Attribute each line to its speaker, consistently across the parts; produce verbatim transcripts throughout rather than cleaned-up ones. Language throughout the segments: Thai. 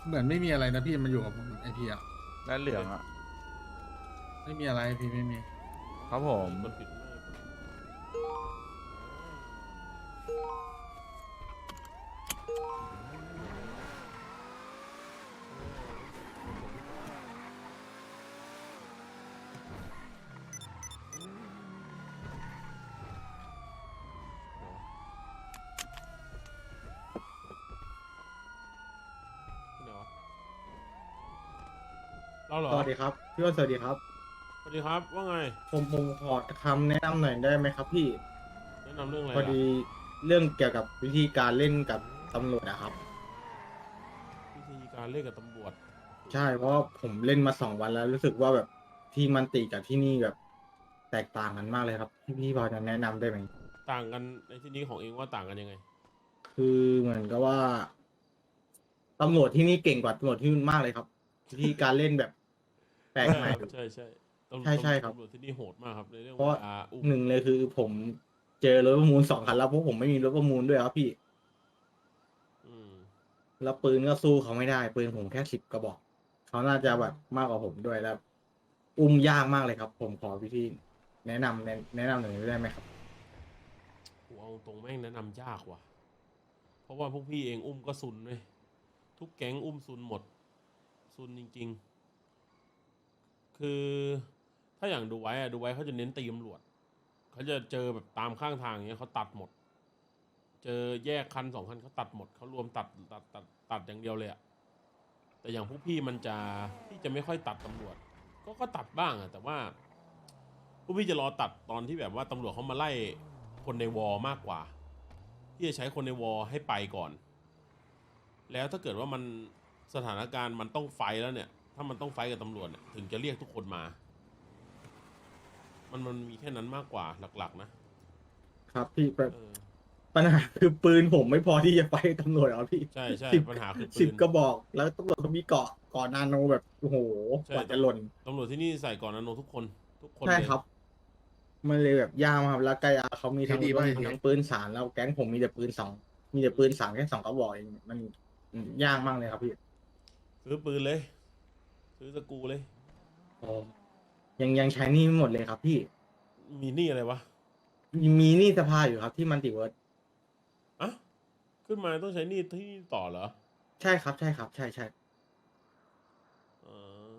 Speaker 1: เหมือนไม่มีอะไรนะพี่มันอยู่กับผมไอพีอะ
Speaker 2: ด้านเหลืองอ่ะ
Speaker 1: ไม่มีอะไรพี่ไม่มี
Speaker 2: ครับผม
Speaker 3: กดผิดไม่กด ที่ไหนวะเราเหรอ
Speaker 4: สวัสดีครับพี่ว่าสวัสดีครับ
Speaker 3: สวัสดีครับว่าไง
Speaker 4: ผมผมขอคำแนะนำหน่อยได้ไหมครับพี่
Speaker 3: แนะนำเรื่องอะไร
Speaker 4: พอ
Speaker 3: ล่ะ
Speaker 4: ดีเรื่องเกี่ยวกับวิธีการเล่นกับตำรวจนะครับ
Speaker 3: วิธีการเล่นกับตำรวจ
Speaker 4: ใช่เพราะผมเล่นมาสองวันแล้วรู้สึกว่าแบบที่มันติกับที่นี่แบบแตกต่างกันมากเลยครับพี่พี่พอจะแนะนำได้ไหม
Speaker 3: ต่างกันในที่นี้ของเองว่าต่างกันยังไง
Speaker 4: คือเหมือนกับว่าตำรวจที่นี่เก่งกว่าตำรวจที่นู่นมากเลยครับวิธีการเล่นแบบแปลกใหม่
Speaker 3: ใช่ใช่ตำรวจ
Speaker 4: ใช่ใช่ครับ
Speaker 3: ตำรวจที่นี่โหดมากครับในเรื่อง
Speaker 4: เพราะ
Speaker 3: อ่าอุ้ม
Speaker 4: หนึ่งเลยคือผมเจอรถประมูลสองคันแล้วเพราะผมไม่มีรถประมูลด้วยครับพี่
Speaker 3: อืม
Speaker 4: แล้วปืนก็สู้เขาไม่ได้ปืนผมแค่สิบกระบอกเขาน่าจะแบบมากกว่าผมด้วยแล้ว อุ้มยากมากเลยครับ ผมขอวิธีแนะนำแนะแนะนำหน่อยได้ไหมครับ
Speaker 3: กูเอาตรงแม่งแนะนำยากว่ะ เพราะว่าพวกพี่เองอุ้มก็ซุนเลยทุกแก๊งอุ้มซุนหมดซุนจริงๆ คือถ้าอย่างดูไว้อะดูไว้เขาจะเน้นตีตำรวจเขาจะเจอแบบตามข้างทางอย่างเงี้ยเขาตัดหมด เจอแยกคันสองคันเขาตัดหมดเขารวมตัดตัดตัดตัดอย่างเดียวเลยอะแต่อย่างพวกพี่มันจะพี่จะไม่ค่อยตัดตำรวจ ก็ก็ตัดบ้างอะแต่ว่าพวกพี่จะรอตัดตอนที่แบบว่าตำรวจเขามาไล่คนในวอลมากกว่าพี่จะใช้คนในวอลให้ไปก่อน แล้วถ้าเกิดว่ามันสถานการณ์มันต้องไฟท์แล้วเนี่ย ถ้ามันต้องไฟท์กับตำรวจเนี่ยถึงจะเรียกทุกคนมา มันมันมีแค่นั้นมากกว่าหลักๆ นะครับ
Speaker 4: พี่แบบ
Speaker 3: เออ
Speaker 4: ปัญหาคือปืนผมไม่พอที่จะไปตำรวจหรอพี่
Speaker 3: ใช่ใช่
Speaker 4: สิบ
Speaker 3: ปัญหาคือปืน
Speaker 4: สิบกระบอก แล้วตำรวจเขามีเกาะเกาะนาโนแบบโอ้โห
Speaker 3: ใช่
Speaker 4: กว่าจะหล่น
Speaker 3: ตำรวจที่นี่ใส่ก่อนนาโนทุกคนทุกคน
Speaker 4: ใช่
Speaker 3: เลย
Speaker 4: ครับ มันเลยแบบยากมากครับแล้วไกอาเขามีทั้ง
Speaker 1: ดี
Speaker 4: ร
Speaker 1: ป่ะ
Speaker 4: ถ
Speaker 1: ไอ้เทส
Speaker 4: ทั้งปืนสารแล้วแก๊งผมมีแต่ปืนสองมีแต่ปืนสามแค่สองกระบอกเองมันยากมากเลยครับพี่
Speaker 3: ซื้อปืนเลย ซื้อสกรูเลย
Speaker 4: โอ้ยังยังใช้หนี่ไม่หมดเลยครับพี่
Speaker 3: มีหนี่อะไรวะ
Speaker 4: มีหนี่สภาอยู่ครับที่มันติเวิร์ด
Speaker 3: อ่ะขึ้นมาต้องใช้หนี่ที่นี่ต่อเหรอ
Speaker 4: ใช่ครับใช่ครับใช่ใช่
Speaker 3: เออ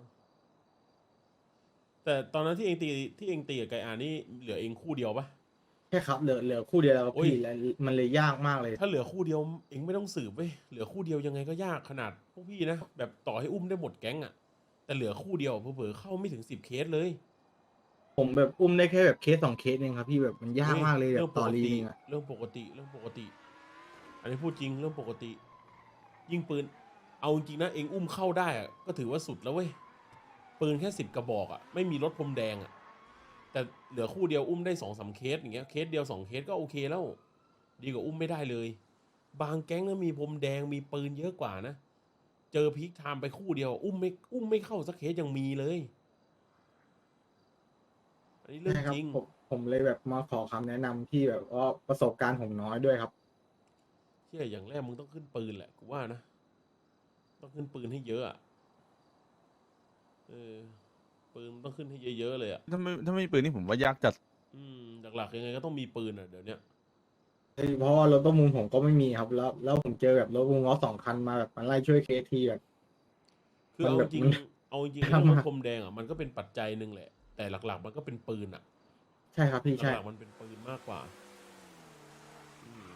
Speaker 3: แต่ตอนนั้นที่เองตีที่เองตีกับไกอานี่เหลือเองคู่เดียวปะ
Speaker 4: ใช่ครับเหลือเหลือคู่เดียวแล้วครับ
Speaker 3: โอ้ย
Speaker 4: พี่แล้วมันเลยยากมากเลย
Speaker 3: ถ้าเหลือคู่เดียวเองไม่ต้องสืบเว้ยเหลือคู่เดียวยังไงก็ยากขนาดพวกพี่นะแบบต่อให้อุ้มได้หมดแก๊งอะแต่เหลือคู่เดียวเผลอๆเข้าไม่ถึงสิบเคสเลย
Speaker 4: ผมแบบอุ้มได้แค่แบบเคสสองเคสเองครับพี่แบบมันยากมากเลยแบ
Speaker 3: เรื่อบ งป
Speaker 4: ต่อก รี
Speaker 3: ติ
Speaker 4: นึงอะ
Speaker 3: เรื่องปกติเรื่องปกติ อันนี้พูดจริงเรื่องปกติ ยิ่งปืน เอาจริงๆนะเองอุ้มเข้าได้อะก็ถือว่าสุดแล้วเว้ยปืนแค่สิบกระบอกอะไม่มีรถพรมแดงอะแต่เหลือคู่เดียวอุ้มได้สองสามเคสอย่างเงี้ยเคสเดียวสองเคสก็โอเคแล้ว ดีกว่าอุ้มไม่ได้เลย บางแก๊งนะมีพรมแดงมีปืนเยอะกว่านะ เจอพีคไทม์ไปคู่เดียว อุ้มไม่อุ้มไม่เข้าสักเคสยังมีเลย อันนี้เรื่อง
Speaker 4: ใช่ครับ
Speaker 3: จริง
Speaker 4: ผมผมเลยแบบมาขอคำแนะนำที่แบบว่าประสบการณ์ผมน้อยด้วยครับ
Speaker 3: เชื่ออย่างแรกมึงต้องขึ้นปืนแหละกูว่านะ ต้องขึ้นปืนให้เยอะอะเออปืนมันต้องขึ้นให้เยอะๆเลยอะ
Speaker 2: ถ้าไม่ถ้าไม่มีปืนนี่ผมว่ายากจัด
Speaker 3: อืมหลักๆยังไงก็ต้องมีปืนอ่ะเดี๋ยวเนี้ย
Speaker 4: เพราะว่ารถประมูลผมก็ไม่มีครับ แล้วแล้วผมเจอแบบรถประมูลล้อสองคันมาแบบมันไล่ช่วยเคสทีแบบ
Speaker 3: คือ
Speaker 4: มัน
Speaker 3: เอา
Speaker 4: แบ
Speaker 3: จ
Speaker 4: บ
Speaker 3: ริง
Speaker 4: มัน
Speaker 3: เอาจริง
Speaker 4: ยาก
Speaker 3: เรื่องร
Speaker 4: มา
Speaker 3: ถ
Speaker 4: ก
Speaker 3: พรมแดงอ่ะมันก็เป็นปัจจัยหนึ่งแหละ แต่หลักๆมันก็เป็นปืนอ่ะ
Speaker 4: ใช่ครับพี่ใช่
Speaker 3: หลักๆมันเป็นปืนมากกว่าอืม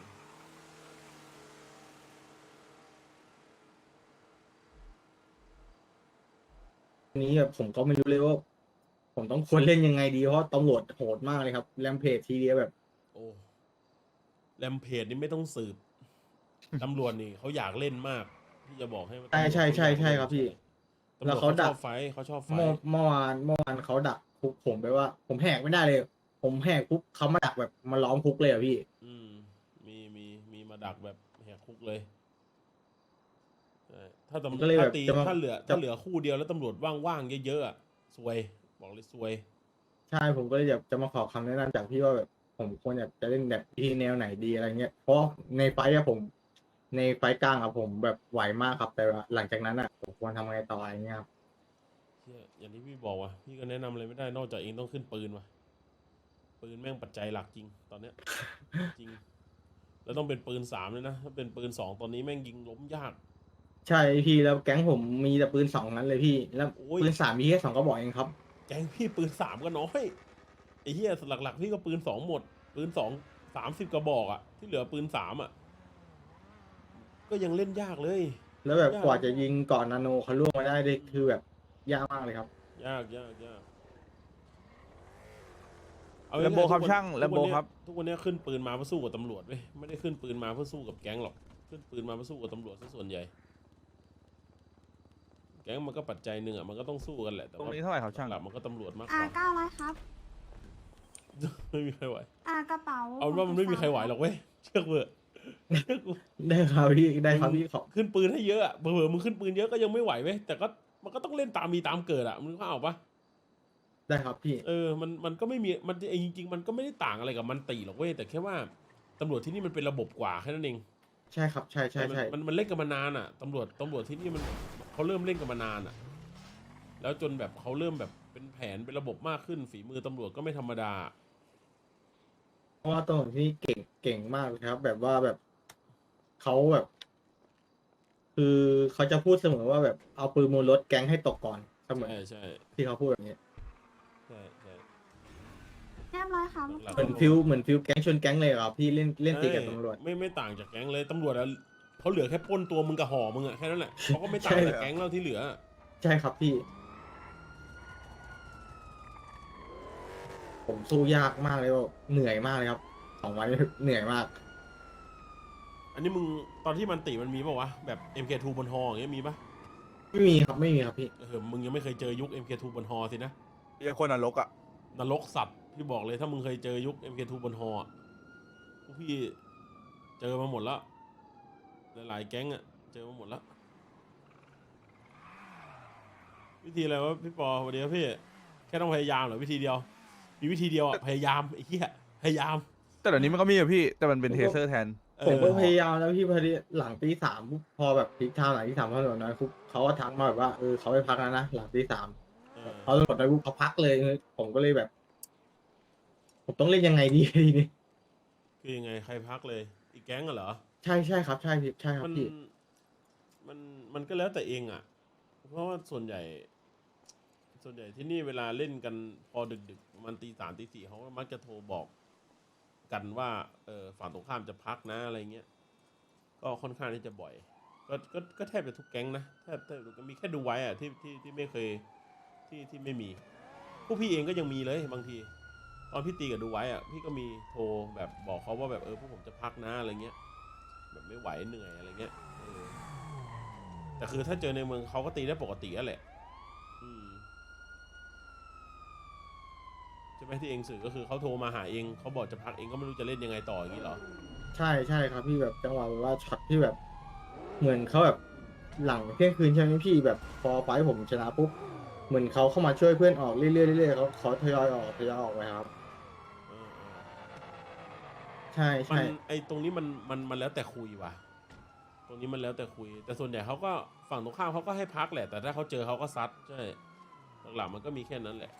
Speaker 4: ทีนี้แบบผมก็ไม่รู้เลยว่า ผมต้องควรเล่นยังไงดีเพราะตำรวจโหดมากเลยครับแรมเพจทีเดียวแบบ
Speaker 3: โอ้แรมเพจนี่ไม่ต้องสืบ ตำรวจนี่เขาอยากเล่นมากที่จะบอกให้ว่า
Speaker 4: ใช่ใช่ใช่ใช่ครับพี่
Speaker 3: ตำร
Speaker 4: แล้ว
Speaker 3: วจ
Speaker 4: เขา
Speaker 3: เขา
Speaker 4: ดั
Speaker 3: ช
Speaker 4: ก
Speaker 3: อบไฟท์เขาชอบไฟ
Speaker 4: เมื่อ
Speaker 3: ท์
Speaker 4: เมื่อวานเมื่อวานเขาดักคุกผมไปว่า ผมแหกไม่ได้เลย ผมแหกคุกเขามาดักแบบมาล้อมคุกเลยอะพี่
Speaker 3: อืมมีมีมีมาดักแบบแหกคุกเลยใช่ถ้า
Speaker 4: ผม
Speaker 3: ตำ
Speaker 4: ก็เลย
Speaker 3: ถ้า
Speaker 4: แบบ
Speaker 3: ตี
Speaker 4: จะมา
Speaker 3: ถ้าเหลือ
Speaker 4: จะ
Speaker 3: ถ้าเหลือคู่เดียวแล้วตำรวจว่างๆเยอะๆอะซวย บอกเลยซวย
Speaker 4: ใช่ผมก็เลยอยากจะมาขอคำแนะนำจากพี่ว่าแบบผมควรอยากจะเล่นแบบที่แนวไหนดีอะไรเงี้ยเพราะในไฟท์อะผมในไฟล์กลางอะผมแบบไหวมากครับ แต่ว่าหลังจากนั้นอะผมควรทำไงต่ออะไรเงี้ยครับ
Speaker 3: เหี้ยอย่างที่พี่บอกว่ะพี่ก็แนะนำอะไรไม่ได้นอกจากเองต้องขึ้นปืนว่ะปืนแม่งปัจจัยหลักจริงตอนเนี้ย จริง แล้วต้องเป็นปืนสามเลยนะถ้าเป็นปืนสองตอนนี้แม่งยิงล้มยาก
Speaker 4: ใช่พี่แล้วแก๊งผมมีแต่ปืนสองนั้นเลยพี่ แล้ว
Speaker 3: โอ้ย
Speaker 4: ปืนสามมีแค่สองกระบอกเองครับ
Speaker 3: แก๊งพี่ปืนสามก็น้อยไอ้เหี้ยหลักๆพี่ก็ปืนสองหมด ปืนสองสามสิบกระบอกอะที่เหลือปืนสามอะก็ยังเล่นยากเลย
Speaker 4: แล้วแบบ
Speaker 3: ยาก
Speaker 4: กว่าจะยิงก่อนนาโนเขาล่วงมาได้เลยคือแบบยากมากเลยครับ
Speaker 3: ยากยากยาก
Speaker 2: แลมโบ
Speaker 3: ง่ายๆ
Speaker 2: ครับ
Speaker 3: ทุกวัน
Speaker 2: ช่าง
Speaker 3: ทุก
Speaker 2: แลมโบ
Speaker 3: วันเนี้ย
Speaker 2: ครับ
Speaker 3: ทุกวันเนี้ยขึ้นปืนมาเพื่อสู้กับตำรวจเว้ยไม่ได้ขึ้นปืนมาเพื่อสู้กับแก๊งหรอกขึ้นปืนมาเพื่อสู้กับตำรวจซะส่วนใหญ่ แก๊งมันก็ปัจจัยหนึ่งอ่ะมันก็ต้องสู้กันแหละแต่
Speaker 2: ตรง
Speaker 3: ว่า
Speaker 2: นี้เท่าไหร่ครับช่าง
Speaker 3: หลักๆมันก็ตำรวจมากก
Speaker 5: อ่า
Speaker 3: ว่า
Speaker 5: เก้าร้อยครับ
Speaker 3: ไม่มีใครไหว
Speaker 5: อ่ากระเป๋า
Speaker 3: เอาเป็นว่ามันไม่มีใครไหวหรอกเว้ยเชื่อเถอะเชื่อกู
Speaker 4: ได้ครับพี่ได้ครับพี่ขอบ
Speaker 3: ขึ้นปืนให้เยอะอะเผื่อๆมึงขึ้นปืนเยอะก็ยังไม่ไหวเว้ยแต่ก็มันก็ต้องเล่นตามมีตามเกิดอ่ะมึงเข้าเอาปะ
Speaker 4: ได้ครับพี่
Speaker 3: เออมันมันก็ไม่มีมันเองจริงๆมันก็ไม่ได้ต่างอะไรกับมันตีหรอกเว้ยแต่แค่ว่าตำรวจที่นี่มันเป็นระบบกว่าแค่นั้นเอง
Speaker 4: ใช่ครับใช่ใช่
Speaker 3: แต่มัน
Speaker 4: ใช่
Speaker 3: มันมันเล่นกันมานานอ่ะตำรวจตำรวจที่นี่มันเขาเริ่มเล่นกันมานานอ่ะ แล้วจนแบบเขาเริ่มแบบเป็นแผนเป็นระบบมากขึ้นฝีมือตำรวจก็ไม่ธรรมดา
Speaker 4: เพราะว่าตำรวจที่นี่เก่งเก่งมากเลยครับ แบบว่าแบบเขาแบบ คือเขาจะพูดเสมอว่าแบบเอาปืนมูลรถแก๊งให้ตกก่อนเสมอ
Speaker 3: ใช่ใช่
Speaker 4: ที่เขาพูดแบบนี้
Speaker 3: ใช่ใช่
Speaker 5: เรียบร้อยครับ
Speaker 3: หลัก
Speaker 4: เหมือนฟิลเหมือนฟิลแก๊งชนแก๊งเลยครับพี่เล่นเล่นตีกับตำรวจ
Speaker 3: ไม่ไม่ต่างจากแก๊งเลยตำรวจอะเขาเหลือแค่ปล้นตัวมึงกับห่อมึงอะแค่นั้นแหละเขาก็ไม่ต่าง
Speaker 4: ใช่
Speaker 3: จากแก๊งเราที่เหลือ
Speaker 4: ใช่ครับพี่ ผมสู้ยากมากเลยว่าเหนื่อยมากเลยครับสองวันนี้เหนื่อยมาก
Speaker 3: อันนี้มึงตอนที่มันติมันมีป่าวะแบบ เอ็ม เค ทู บนฮออย่างเงี้ยมีปะ
Speaker 4: ไม่มีครับไม่มีครับพี่
Speaker 3: เออมึงยังไม่เคยเจอยุค เอ็ม เค ทู บนฮอสินะ
Speaker 2: เรียกคนนรกอ่ะ
Speaker 3: นรกสัตว์พี่บอกเลยถ้ามึงเคยเจอยุค เอ็ม เค ทู บนฮออะพวกพี่เจอมาหมดแล้วหลายๆแก๊งอะเจอมาหมดแล้ววิธีอะไรวะพี่ปอสวัสดีครับพี่แค่ต้องพยายามเหรอวิธีเดียวมีวิธีเดียวอะพยายามไอ้เหี้ยพยายาม
Speaker 2: แต่เดี๋ยวนี้มันก็มีอะพี่ แต่มันเป็นเทเซอร์แทน
Speaker 4: ผมก็
Speaker 3: เออ
Speaker 4: พยายามแล้วพี่พอดีหลังตีสามปุ๊บพอแบบพีคไทม์หลังที่สามพอตำรวจน้อยปุ๊บเขาก็ทักมาแบบว่าเออเขาไปพักแล้วนะหลังตีสาม
Speaker 3: เออ
Speaker 4: เขาตำรวจน้อยปุ๊บเขาพักเลย ผมก็เลยแบบ ผมต้องเล่นยังไงดี ทีนี้
Speaker 3: คือยังไงใครพักเลย อีกแก๊งอะเหรอ
Speaker 4: ใช่ใช่ครับ ใช่พี่ใช่ครับ
Speaker 3: มัน
Speaker 4: พี่
Speaker 3: มันมันก็แล้วแต่เองอ่ะ เพราะว่าส่วนใหญ่ ส่วนใหญ่ที่นี่เวลาเล่นกันพอดึกๆประมันตีสามตีสี่เขาก็มักจะโทรบอกกันว่าเออฝั่งตรงข้ามจะพักนะอะไรเงี้ยก็ค่อนข้างที่จะบ่อย ก็ก็ก็แทบจะทุกแก๊งนะแทบแทบจะมีแค่ดูไว้อ่ะที่ที่ที่ไม่เคยที่ที่ไม่มีพวกพี่เองก็ยังมีเลยบางที ตอนพี่ตีกับดูไว้อ่ะพี่ก็มีโทรแบบบอกเขาว่าแบบเออพวกผมจะพักนะอะไรเงี้ย แบบไม่ไหวเหนื่อยอะไรเงี้ยเออแต่คือถ้าเจอในเมืองเขาก็ตีได้ปกตินั่นแหละ อืมใช่ไหมที่เองสื่อก็คือเขาโทรมาหาเองเขาบอกจะพักเองก็ไม่รู้จะเล่นยังไงต่ออย่างนี้เหรอ
Speaker 4: ใช่ใช่ครับพี่แบบจังหวะแบบว่าช็อตที่แบบ เหมือนเขาแบบหลังเที่ยงคืนใช่ไหมพี่แบบพอไฟท์ผมชนะปุ๊บเหมือนเขาเข้ามาช่วยเพื่อนออกเรื่อยๆเรื่อยๆเขาเขาทยอยออกทยอยออกไปครับ
Speaker 3: เออเออ
Speaker 4: ใช่
Speaker 3: มัน
Speaker 4: ใช่
Speaker 3: ไอตรงนี้มันมันมันแล้วแต่คุยว่ะ ตรงนี้มันแล้วแต่คุย แต่ส่วนใหญ่เขาก็ฝั่งตรงข้ามเขาก็ให้พักแหละ แต่ถ้าเขาเจอเขาก็ซัดใช่หลักๆมันก็มีแค่นั้นแหละ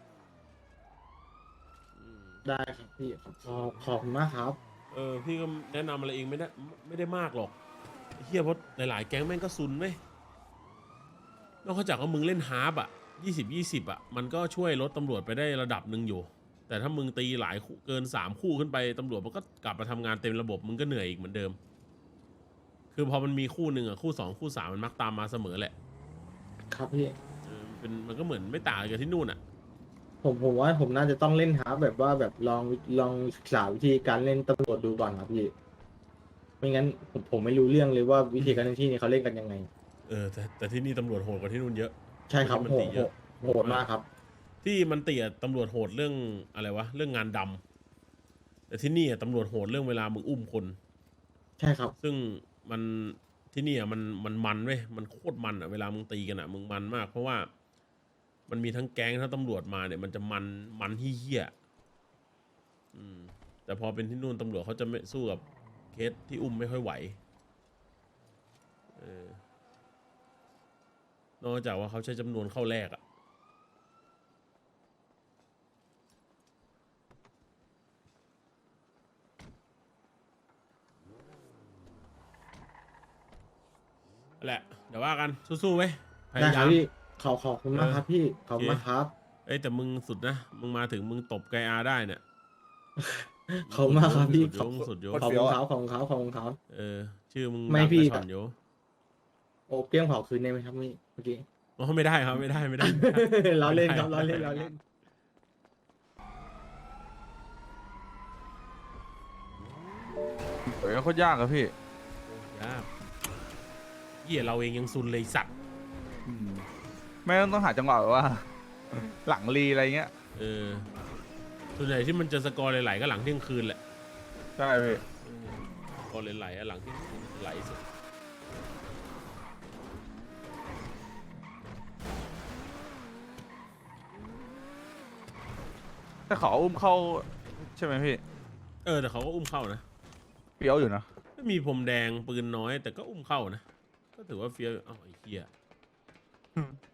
Speaker 3: อืม
Speaker 4: ได้ครับพี่ขอบขอบคุณมากครับ
Speaker 3: เออพี่ก็แนะนำอะไรเองไม่ได้ไม่ได้มากหรอกไอ้เฮียเพราะหลายๆแก๊งแม่งก็ซุนไหมนอกจากว่ามึงเล่นฮาร์ปอ่ะยี่สิบยี่สิบอ่ะมันก็ช่วยลดตำรวจไปได้ระดับหนึ่งอยู่ แต่ถ้ามึงตีหลายคู่เกินสามคู่ขึ้นไปตำรวจมันก็กลับมาทำงานเต็มระบบมึงก็เหนื่อยอีกเหมือนเดิม คือพอมันมีคู่หนึ่งอ่ะคู่สองคู่สามมันมักตามมาเสมอแหละ
Speaker 4: ครับพี่
Speaker 3: เออมันเป็นมันก็เหมือนไม่ต่างกับที่นู่นอ่ะ
Speaker 4: ผมผมว่าผมน่าจะต้องเล่นฮาร์ปแบบว่าแบบลองลองศึกษาวิธีการเล่นตำรวจดูก่อนครับพี่ ไม่งั้นผมผมไม่รู้เรื่องเลยว่าวิธีการเล่นที่นี่เขาเล่นกันยังไง
Speaker 3: เออแต่แต่ที่นี่ตำรวจโหดกว่าที่นู่นเยอะ
Speaker 4: ใช่ครับ
Speaker 3: ที่มัน
Speaker 4: โห
Speaker 3: ตี
Speaker 4: ด
Speaker 3: เยอะ
Speaker 4: โหดมากครับ
Speaker 3: ที่มันเตี่ยตำรวจโหดเรื่องอะไรวะเรื่องงานดำแต่ที่นี่อะตำรวจโหดเรื่องเวลามึงอุ้มคน
Speaker 4: ใช่ครับ
Speaker 3: ซึ่งมันที่นี่อะมันมันมันเว้ยมันโคตรมันอ่ะเวลามึงตีกันอ่ะมึงมันมาก เพราะว่ามันมีทั้งแก๊งทั้งตำรวจมาเนี่ยมันจะมันมันเหี้ยๆอืมแต่พอเป็นที่นู่นตำรวจเขาจะไม่สู้กับเคสที่อุ้มไม่ค่อยไหวเออนอกจากว่าเขาใช้จำนวนเข้าแรกอะนั่นแหละ เดี๋ยวว่ากัน สู้ๆไว้ยพ
Speaker 4: ได้
Speaker 3: ยา
Speaker 4: ค
Speaker 3: ยา
Speaker 4: รับ
Speaker 3: ม
Speaker 4: พี่ขอขอบคุณมากครับพี่ขอบคุณ
Speaker 3: โอเค
Speaker 4: มากครับ
Speaker 3: เอ้ยแต่มึงสุดนะ มึงมาถึงมึงตบไกอาได้เนี่ย
Speaker 4: ขอบคุณมากครับพี่
Speaker 3: สุดโยงสุดโยง
Speaker 4: ขอบคุณครับขอบคุณครับขอบคุณครับ
Speaker 3: เออ ชื่อมึง
Speaker 4: ไม่
Speaker 3: ดัง
Speaker 4: พี่
Speaker 3: กระชอนอยู่
Speaker 4: โอ้เปี้ยงเผาคืนได้ไหมครับพี่เมื่อกี้
Speaker 3: อ๋อไม่ได้ครับไม่ได้ไม่ได้
Speaker 4: เราเล่นครับเราเล่นเราเล่น
Speaker 2: เฮ้ยโคตรยากอะพี่
Speaker 3: ยากเหี้ยเราเองยังซุนเลยสัตว์
Speaker 2: อืมไม่ต้องต้องหาจังหวะแบบว่า หลังรีอะไรเงี้ย
Speaker 3: เออส่วนใหญ่ที่มันจะสกอร์ไหลๆก็หลังเที่ยงคืนแหละ
Speaker 2: ใช่พี่
Speaker 3: เออสกอร์ไหลๆอะหลังเที่ยงคืนไหลสุด
Speaker 2: แต่ขออุ้มเข้าใช่ไหมพี่
Speaker 3: เออแต่เขาก็อุ้มเข้านะ
Speaker 2: เปรี้ยวอยู่นะ
Speaker 3: ไม่มีพรมแดงปืนน้อยแต่ก็อุ้มเข้านะ ก็ถือว่าเฟี้ยวอยู่อ้าวไอ้เหี้ย